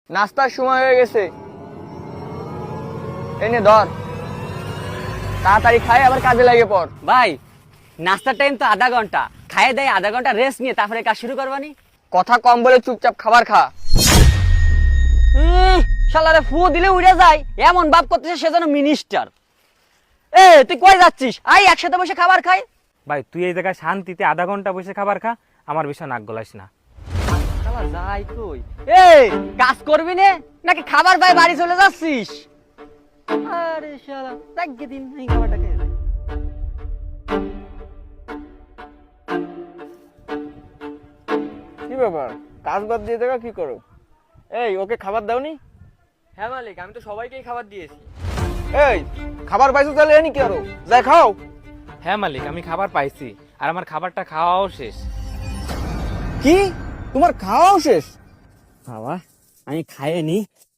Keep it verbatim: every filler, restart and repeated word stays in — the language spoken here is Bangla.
নাস্তার সময় হয়ে গেছে, এনে ধর, তাড়াতাড়ি খাই আবার কাজে লাগে পর। ভাই নাস্তার টাইম তো আধা ঘন্টা, খাইয়ে দেয় আধা ঘন্টা রেস্ট নিয়ে তারপরে কাজ শুরু করবানি। কথা কম বলে চুপচাপ খাবার খা। শালারে ফু দিলে উড়ে যায়, এমন ভাব করতেছে সে যেন মিনিস্টার। এ তুই কই যাচ্ছিস? আই একসাথে বসে খাবার খাই। ভাই তুই এই জায়গায় শান্তিতে আধা ঘন্টা বসে খাবার খা, আমার বিষয় নাক গলাইস না। শালা যাই কই, এই কাজ করবি নে নাকি খাবার ভাই বাড়ি চলে যাচ্ছিস? আরে শালা তাকে দিন এই খাবারটা খেয়ে যাই। কি ব্যাপার, কাজ বাদ দিয়ে দেখা কি করো? এই ওকে খাবার দাওনি? হ্যাঁ মালিক, আমি তো সবাইকেই খাবার দিয়েছি। এই খাবার পাইছো তাহলে এনি কি আরো যাই খাও। হ্যাঁ মালিক, আমি খাবার পাইছি আর আমার খাবারটা খাওয়াও শেষ। কি তোমার খাওয়াও শেষ? বাবা আমি খাইয়ে নি,